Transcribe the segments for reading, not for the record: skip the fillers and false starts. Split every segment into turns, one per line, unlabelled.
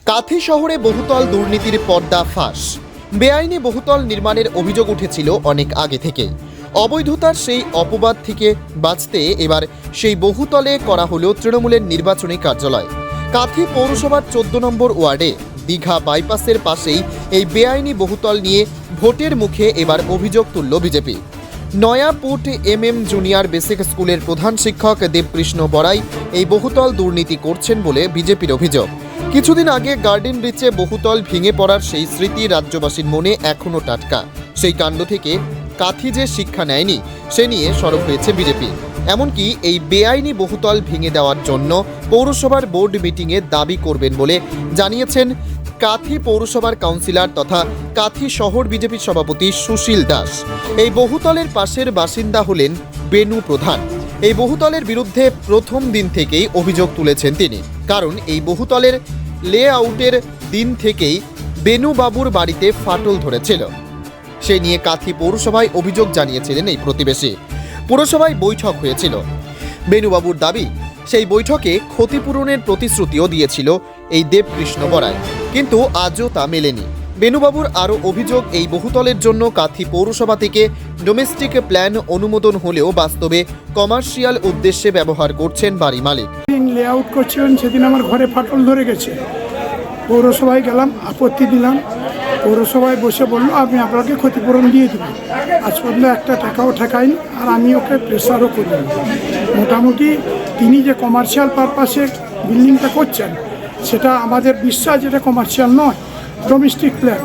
কাথি শহরে বহুতল দুর্নীতির পর্দা ফাঁস। বেআইনি বহুতল নির্মাণের অভিযোগ উঠেছিল অনেক আগে থেকেই। অবৈধতার সেই অপবাদ থেকে বাঁচতে এবার সেই বহুতলে করা হলো তৃণমূলের নির্বাচনী কার্যালয়। কাথি পৌরসভার 14 নম্বর ওয়ার্ডে দীঘা বাইপাসের পাশেই এই বেআইনি বহুতল নিয়ে ভোটের মুখে এবার অভিযোগ তুলল বিজেপি। নয়াপুট জুনিয়র বেসিক স্কুলের প্রধান শিক্ষক দেবকৃষ্ণ বড়াই এই বহুতল দুর্নীতি করছেন বলে বিজেপির অভিযোগ। কিছুদিন আগে গার্ডেন ব্রিজে বহুতল ভেঙে পড়ার সেই স্মৃতি রাজ্যবাসীর মনে এখনও টাটকা। সেই কাণ্ড থেকে কাথি যে শিক্ষা নেয়নি সে নিয়ে সরব হয়েছে বিজেপি। এমনকি এই বেআইনি বহুতল ভেঙে দেওয়ার জন্য পৌরসভার বোর্ড মিটিংয়ে দাবি করবেন বলে জানিয়েছেন কাথি পৌরসভার কাউন্সিলর তথা কাথি শহর বিজেপির সভাপতি সুশীল দাস। এই বহুতলের পাশের বাসিন্দা হলেন বেনু প্রধান। এই বহুতলের বিরুদ্ধে প্রথম দিন থেকেই অভিযোগ তুলেছেন তিনি, কারণ এই বহুতলের লেআউটের দিন থেকেই বেনু বাবুর বাড়িতে ফাটল ধরেছিল। সে নিয়ে কাথি পৌরসভায় অভিযোগ জানিয়েছিলেন এই প্রতিবেশী। পুরসভায় বৈঠক হয়েছিল। বেনুবাবুর দাবি, সেই বৈঠকে ক্ষতিপূরণের প্রতিশ্রুতিও দিয়েছিল এই দেবকৃষ্ণ বড়াই, কিন্তু আজও তা মেলেনি। বেনুবাবুর আরও অভিযোগ, এই বহুতলের জন্য কাথি পৌরসভা থেকে ডোমেস্টিক প্ল্যান অনুমোদন হলেও বাস্তবে কমার্শিয়াল উদ্দেশ্যে ব্যবহার করছেন বাড়ি মালিক।
লেআউট করছিলেন, সেদিন আমার ঘরে ফাটল ধরে গেছে। পৌরসভায় গেলাম, আপত্তি দিলাম। পৌরসভায় বসে বললো আমি আপনাকে ক্ষতিপূরণ দিয়ে দেবো। আজ পর্যন্ত একটা টাকাও ঠেকাইনি, আর আমি ওকে প্রেসারও করিনি। মোটামুটি তিনি যে কমার্শিয়াল পারপাসে বিল্ডিংটা করছেন, সেটা আমাদের বিশ্বাস যেটা কমার্শিয়াল নয়, ডোমেস্টিক প্ল্যান।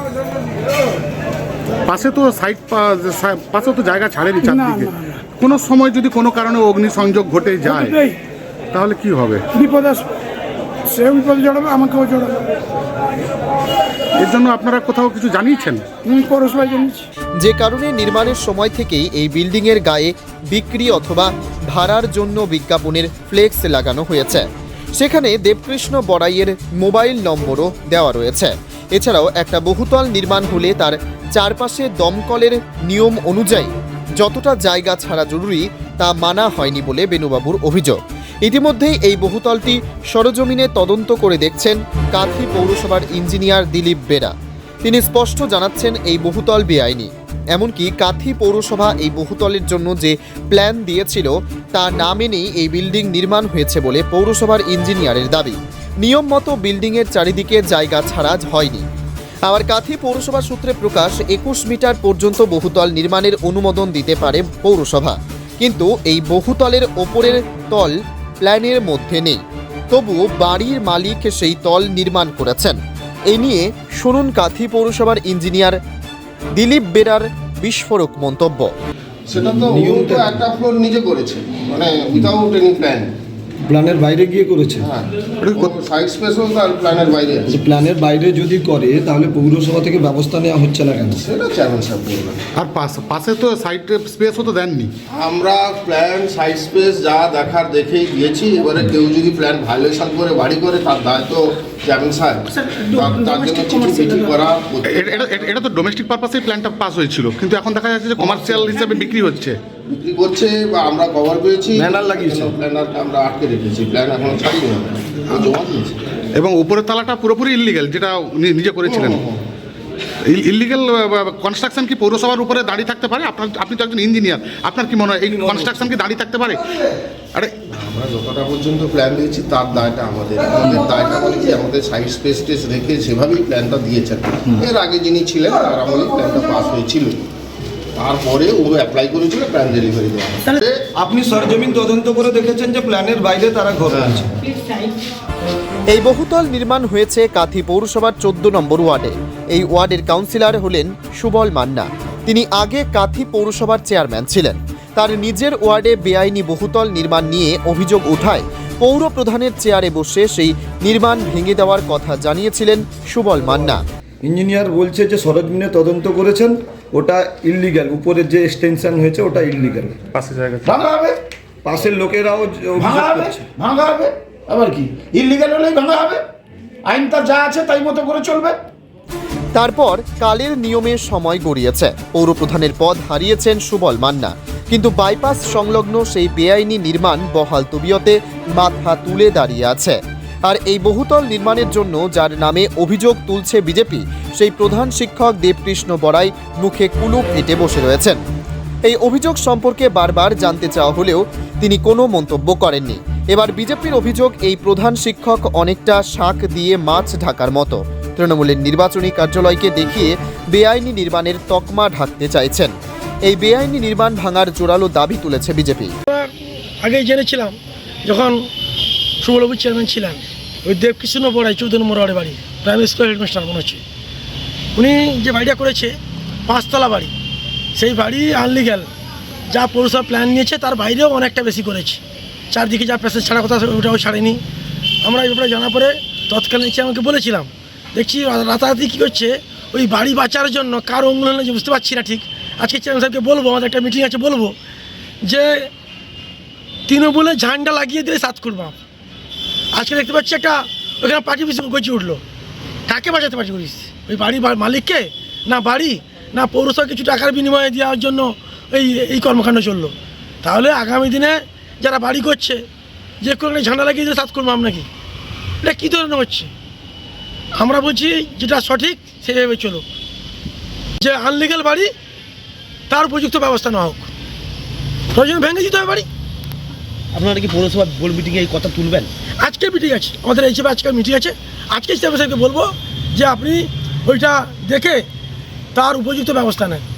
পাশে তো পাশে তো জায়গা ছাড়েনি চারদিকে। কোনো সময় যদি কোনো কারণে অগ্নিসংযোগ ঘটে যায় তাহলে কি হবে?
বিপদ আসবে, সে বিপদ জড়াবে, আমাকেও জড়াবে।
এর জন্য আপনারা কোথাও কিছু জানিয়েছেন?
পৌরসভায় জানিয়েছি।
যে কারণে নির্মাণের সময় থেকেই এই বিল্ডিংয়ের গায়ে বিক্রি অথবা ভাড়ার জন্য বিজ্ঞাপনের ফ্লেক্স লাগানো হয়েছে। সেখানে দেবকৃষ্ণ বড়াইয়ের মোবাইল নম্বরও দেওয়া রয়েছে। এছাড়াও একটা বহুতল নির্মাণ হলে তার চারপাশে দমকলের নিয়ম অনুযায়ী যতটা জায়গা ছাড়া জরুরি তা মানা হয়নি বলে বেনুবাবুর অভিযোগ। ইতিমধ্যেই এই বহুতলটি সরজমিনে তদন্ত করে দেখছেন কাথি পৌরসভার ইঞ্জিনিয়ার দিলীপ বেরা। তিনি স্পষ্ট জানাচ্ছেন এই বহুতল বেআইনি। এমনকি কাথি পৌরসভা এই বহুতলের জন্য যে প্ল্যান দিয়েছিল তা না মেনেই এই বিল্ডিং নির্মাণ হয়েছে বলে পৌরসভার ইঞ্জিনিয়ারের দাবি। নিয়ম মতো বিল্ডিংয়ের চারিদিকে জায়গা ছাড়া হয়নি। আবার কাথি পৌরসভা সূত্রে প্রকাশ, 21 মিটার পর্যন্ত বহুতল নির্মাণের অনুমোদন দিতে পারে পৌরসভা, কিন্তু এই বহুতলের ওপরের তল প্ল্যানের মধ্যে নেই। তবুও বাড়ির মালিক সেই তল নির্মাণ করেছেন। এই নিয়ে শুনুন কাথি পৌরসভার ইঞ্জিনিয়ার দিলীপ বেরার বিস্ফোরক মন্তব্য।
সেটা তো নিয়মটা একটা ফ্লোর নিজে করেছে, মানে উইদাউট এনি প্ল্যান,
প্ল্যানের বাইরে গিয়ে করেছে।
হ্যাঁ, সাইড স্পেসও তার প্ল্যানের বাইরে আছে।
প্ল্যানের বাইরে যদি করে তাহলে পৌরসভা থেকে ব্যবস্থা নেওয়া হচ্ছে না কেন?
সেটা চেয়ারম্যান সাহেব বলবেন।
আর পাশে তো সাইড স্পেসও তো দেননি।
আমরা প্ল্যান সাইড স্পেস যা দেখার দেখেই দিয়েছি। এবারে কেউ যদি প্ল্যান ভায়োলেশন করে বাড়ি করে, তার দায়িত্ব চেয়ারম্যান সাহেব, তার জন্য চিঠি করা।
এটা তো ডোমেস্টিক পারপাসে প্ল্যানটা পাস হয়েছিল, কিন্তু এখন দেখা যাচ্ছে যে কমার্শিয়াল হিসেবে বিক্রি করছে বা আমরা কভার পেয়েছি,
ব্যানার লাগিয়েছি,
প্ল্যানারটা আমরা আটকে রেখেছি, প্ল্যান এখনো ছাড়িয়ে যাবে, জমা দিয়েছি।
এবং উপরের তালাটা পুরোপুরি ইললিগ্যাল, যেটা নিজে করেছিলেন। ইললিগ্যাল কনস্ট্রাকশন কি পৌরসভার উপরে দাঁড়িয়ে থাকতে পারে? আপনি তো একজন ইঞ্জিনিয়ার, আপনার কি মনে হয় এই কনস্ট্রাকশন কি দাঁড়িয়ে থাকতে পারে? আরে
আমরা যতটা পর্যন্ত প্ল্যান দিয়েছি তার দায়টা আমাদের দায়টা মানে কি, আমাদের সাইড স্পেস টেস রেখে সেভাবেই প্ল্যানটা দিয়েছেন। এর আগে যিনি ছিলেন তার আমলেই প্ল্যানটা পাস হয়েছিল, তারপরে ও অ্যাপ্লাই করেছিল প্ল্যান ডেলিভারি দেওয়া।
আপনি সরজমিন তদন্ত করে দেখেছেন যে প্ল্যানের বাইরে তারা ঘর আছে।
এই বহুতল নির্মাণ হয়েছে কাথি পৌরসভার 14 নম্বর ওয়ার্ডে। এই ওয়ার্ডের কাউন্সিলর হলেন সুবল মান্না। তিনি আগে কাথি পৌরসভার চেয়ারম্যান ছিলেন। তার নিজের ওয়ার্ডে বেআইনি বহুতল নির্মাণ নিয়ে অভিযোগ উঠায় পৌর প্রধানের চেয়ারে বসে সেই নির্মাণ ভেঙে দেওয়ার কথা জানিয়েছিলেন সুবল মান্না।
ইঞ্জিনিয়ার বলছে যে সরজমিনে তদন্ত করেছেন, ওটা ইললিগ্যাল, উপরের যে এক্সটেনশন হয়েছে ওটা ইললিগ্যাল।
পাশে জায়গা
ভাঙা হবে,
পাশের লোকেরাও
ভাঙা হবে, ভাঙা হবে। আবার কি ইললিগ্যাল হলেই ভাঙা হবে? আইন তার যা আছে তাই মতো করে চলবে।
তারপর কালের নিয়মের সময় গড়িয়েছে। পৌর প্রধানের পদ হারিয়েছেন সুবল মান্না, কিন্তু বাইপাস সংলগ্ন সেই বেআইনি নির্মাণ বহাল তবিয়তে মাথা তুলে দাঁড়িয়ে আছে। আর এই বহুতল নির্মাণের জন্য যার নামে অভিযোগ তুলছে বিজেপি, সেই প্রধান শিক্ষক দেবকৃষ্ণ বড়াই মুখে কুলুপ এঁটে বসে রয়েছেন। এই অভিযোগ সম্পর্কে বারবার জানতে চাওয়া হলেও তিনি কোনো মন্তব্য করেননি। এবার বিজেপির অভিযোগ, এই প্রধান শিক্ষক অনেকটা শাক দিয়ে মাছ ঢাকার মতো তৃণমূলের নির্বাচনী কার্যালয়কে দেখিয়ে বেআইনি নির্মাণের তকমা ঢাকতে চাইছেন। এই বেআইনি নির্মাণ ভাঙার জোরালো দাবি তুলেছে বিজেপি।
আগেই জেনেছিলাম যখন সুবলবাবু চেয়ারম্যান ছিলেন, ওই দেবকৃষ্ণ বড়াই 14 নম্বর ওয়ার্ডে বাড়ি, প্রাইমারি স্কুল হেডমাস্টার মনে হচ্ছে, উনি যে বাড়িটা করেছে 5 তলা বাড়ি, সেই বাড়ি আনলিগ্যাল। যা পৌরসভা প্ল্যান নিয়েছে তার বাইরেও অনেকটা বেশি করেছে। চারদিকে যা প্যাসেজ ছাড়া কথা ওটাও ছাড়েনি। আমরা এই ব্যাপারে জানার পরে তৎকালীন আমাকে বলেছিলাম, দেখছি রাতারাতি কী করছে ওই বাড়ি বাঁচার জন্য কার অঙ্গুল হলে বুঝতে পারছি না ঠিক। আজকে চেয়ারম্যান সাহেবকে বলবো, আমাদের একটা মিটিং আছে, বলবো যে তৃণমূলে ঝান্ডা লাগিয়ে দিলে 7 খুন বাপ। আজকে দেখতে পাচ্ছি একটা ওখানে পার্টি পিছনে গচি উঠলো। কাকে বাঁচাতে পার্টি করিস? ওই বাড়ির মালিককে? না বাড়ি, না পৌরসভা কিছু টাকার বিনিময়ে দেওয়ার জন্য এই কর্মকাণ্ড চললো? তাহলে আগামী দিনে যারা বাড়ি করছে যে কোনো ঝান্ডা লাগিয়ে দিলে 7 খুন বাপ নাকি? এটা কী ধরনের হচ্ছে? আমরা বলছি যেটা সঠিক সেইভাবে চলুক, যে আনলিগাল বাড়ি তার উপযুক্ত ব্যবস্থা নেওয়া হোক। প্রয়োজন ভেঙে দিতে হবে বাড়ি।
আপনারা কি পৌরসভা বোর্ড মিটিংয়ে এই কথা তুলবেন?
আজকে মিটিং আছে আমাদের, এই হিসেবে আজকে মিটিং আছে। আজকে চেয়ারম্যান সাহেবকে বলবো যে আপনি ওইটা দেখে তার উপযুক্ত ব্যবস্থা নেন।